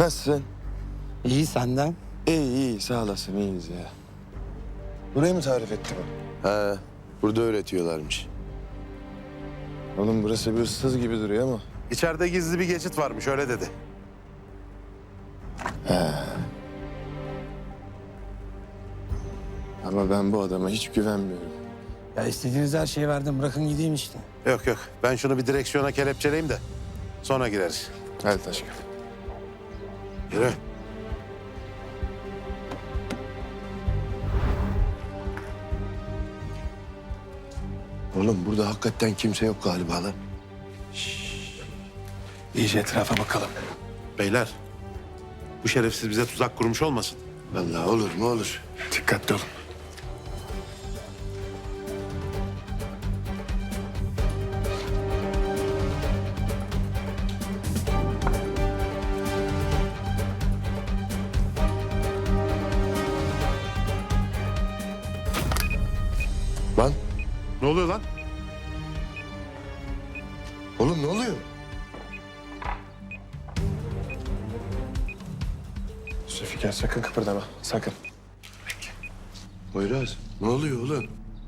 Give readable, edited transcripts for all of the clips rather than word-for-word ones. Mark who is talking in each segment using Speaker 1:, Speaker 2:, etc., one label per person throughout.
Speaker 1: Nasılsın?
Speaker 2: İyi senden.
Speaker 1: İyi sağ olasın iyiyiz ya. Burayı mı tarif etti bu?
Speaker 3: He, burada öğretiyorlarmış.
Speaker 1: Oğlum burası bir ıssız gibi duruyor ama.
Speaker 3: İçeride gizli bir geçit varmış, öyle dedi.
Speaker 1: Ama ben bu adama hiç güvenmiyorum.
Speaker 2: Ya istediğiniz her şeyi verdim. Bırakın gideyim işte.
Speaker 3: Yok yok, ben şunu bir direksiyona kelepçeleyeyim de sonra gireriz.
Speaker 1: Hadi Taşkın.
Speaker 3: Yürü.
Speaker 1: Oğlum burada hakikaten kimse yok galiba lan.
Speaker 2: İyice etrafa bakalım.
Speaker 3: Beyler, bu şerefsiz bize tuzak kurmuş olmasın.
Speaker 1: Vallahi olur mu olur.
Speaker 2: Dikkatli olun.
Speaker 1: Lan
Speaker 3: Ne oluyor lan?
Speaker 1: oğlum ne oluyor? Zülfikar sakın kıpırdama sakın.
Speaker 3: Poyraz, ne oluyor oğlum?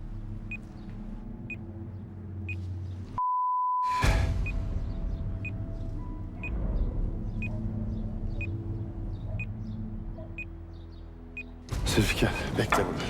Speaker 1: Zülfikar bekle burada.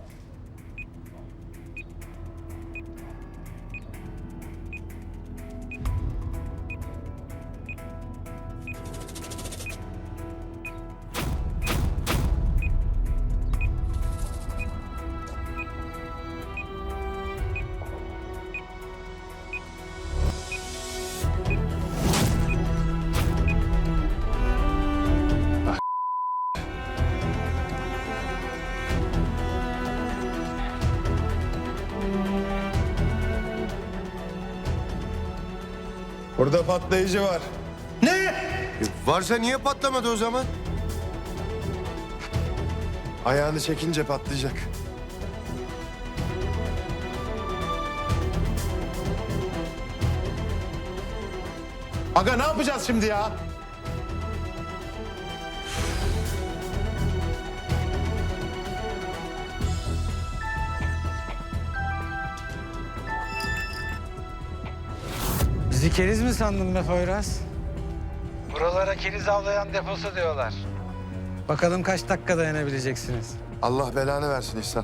Speaker 1: Burada patlayıcı var.
Speaker 3: Varsa niye patlamadı o zaman?
Speaker 1: Ayağını çekince patlayacak.
Speaker 3: Aga ne yapacağız şimdi ya?
Speaker 2: Bizi keriz mi sandın be Poyraz? Buralara keriz avlayan deposu diyorlar. Bakalım kaç dakika dayanabileceksiniz.
Speaker 1: Allah belanı versin İhsan.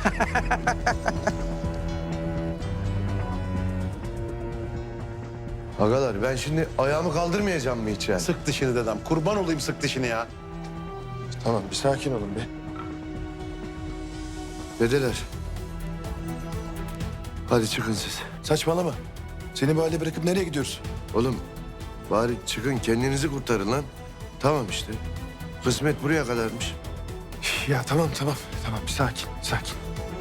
Speaker 3: Agalar ben şimdi ayağımı kaldırmayacağım mı hiç yani? Sık dişini dedem. Kurban olayım sık dişini ya.
Speaker 1: Tamam bir sakin olun bir.
Speaker 3: Dedeler. Hadi çıkın siz.
Speaker 1: Saçmalama. Seni bu halde bırakıp nereye gidiyoruz?
Speaker 3: Oğlum bari çıkın kendinizi kurtarın lan. Tamam işte. Kısmet buraya kadarmış.
Speaker 1: Ya tamam bir sakin.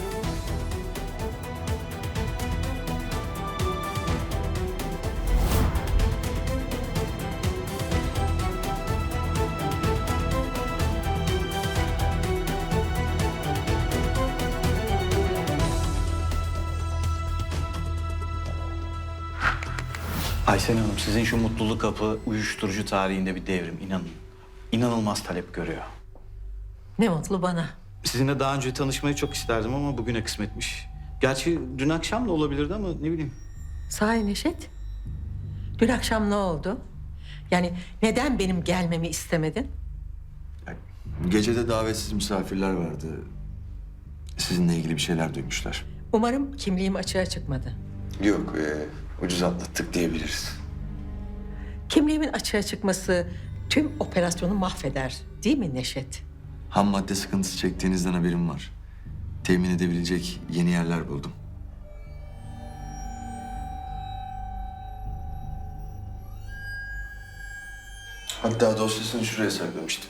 Speaker 4: Aysen Hanım, sizin şu mutluluk kapı uyuşturucu tarihinde bir devrim, inanın. İnanılmaz talep görüyor.
Speaker 5: Ne mutlu bana.
Speaker 4: Sizinle daha önce tanışmayı çok isterdim ama bugüne kısmetmiş. Gerçi dün akşam da olabilirdi ama ne bileyim.
Speaker 5: Sahi Neşet, dün akşam ne oldu? Yani neden benim gelmemi istemedin?
Speaker 6: Gecede davetsiz misafirler vardı. Sizinle ilgili bir şeyler duymuşlar.
Speaker 5: Umarım kimliğim açığa çıkmadı.
Speaker 6: Yok, ucuz atlattık diyebiliriz.
Speaker 5: Kimliğimin açığa çıkması tüm operasyonu mahveder, değil mi Neşet?
Speaker 6: Ham madde sıkıntısı çektiğinizden haberim var. Temin edebilecek yeni yerler buldum. Hatta dosyasını şuraya saklamıştım.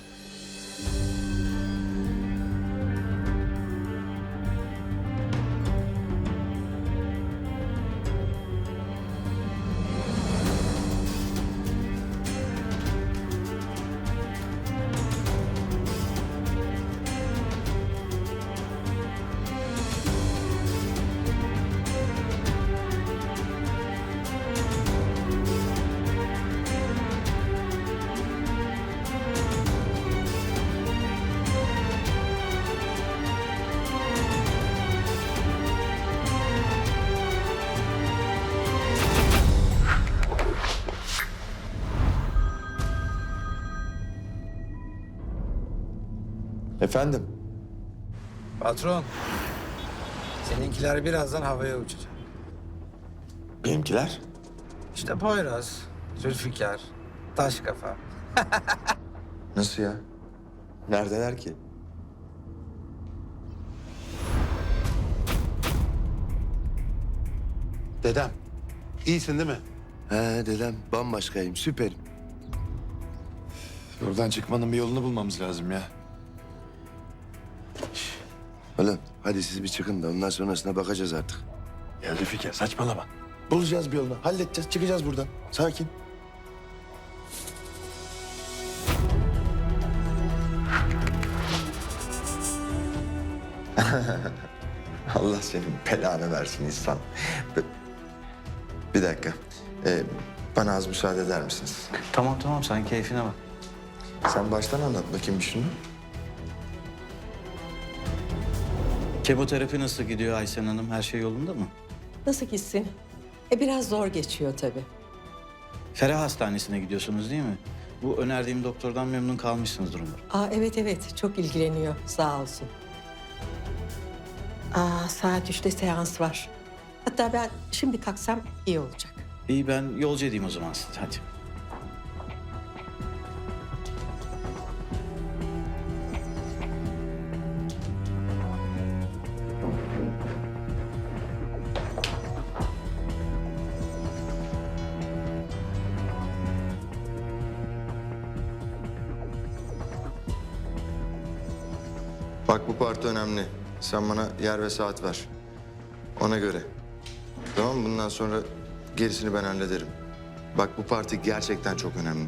Speaker 1: Efendim?
Speaker 2: Patron, seninkiler birazdan havaya uçacak.
Speaker 1: Benimkiler?
Speaker 2: İşte Poyraz, Zülfikar, Taşkafa.
Speaker 1: Nasıl ya? Neredeler ki?
Speaker 7: Dedem, iyisin değil mi?
Speaker 3: He dedem bambaşkayım, süperim.
Speaker 1: Buradan çıkmanın bir yolunu bulmamız lazım ya.
Speaker 3: Oğlum hadi siz bir çıkın da ondan sonrasına bakacağız artık.
Speaker 1: Ya Zülfikar saçmalama. Bulacağız bir yolunu. Halledeceğiz. Çıkacağız buradan. Sakin.
Speaker 6: Allah senin belanı versin İhsan. Bir dakika. Bana az müsaade eder misiniz?
Speaker 4: Tamam tamam sen keyfine bak.
Speaker 6: Sen baştan anlat bakayım bir şunu.
Speaker 4: Kemoterapi nasıl gidiyor Aysen Hanım? Her şey yolunda mı?
Speaker 5: Nasıl gitsin? Biraz zor geçiyor tabii.
Speaker 4: Ferah Hastanesi'ne gidiyorsunuz değil mi? Bu önerdiğim doktordan memnun kalmışsınızdır umarım.
Speaker 5: Evet evet çok ilgileniyor sağ olsun. Saat 3'te seans var. Hatta ben şimdi kalksam iyi olacak.
Speaker 4: İyi ben yolcu edeyim o zaman sizi hadi.
Speaker 6: Bak bu parti önemli. Sen bana yer ve saat ver. Ona göre. Tamam mı? Bundan sonra gerisini ben hallederim. Bak bu parti gerçekten çok önemli.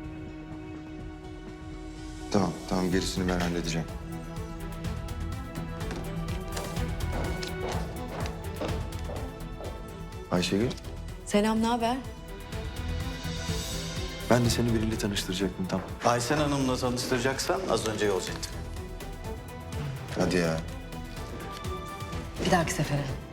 Speaker 6: Tamam, tamam gerisini ben halledeceğim.
Speaker 1: Ayşegül,
Speaker 8: Selam, ne haber?
Speaker 1: ben de seni biriyle tanıştıracaktım tam.
Speaker 4: Aysen Hanım'la tanıştıracaksan az önce yolcu ettim.
Speaker 6: Hadi ya.
Speaker 8: Bir dahaki sefere.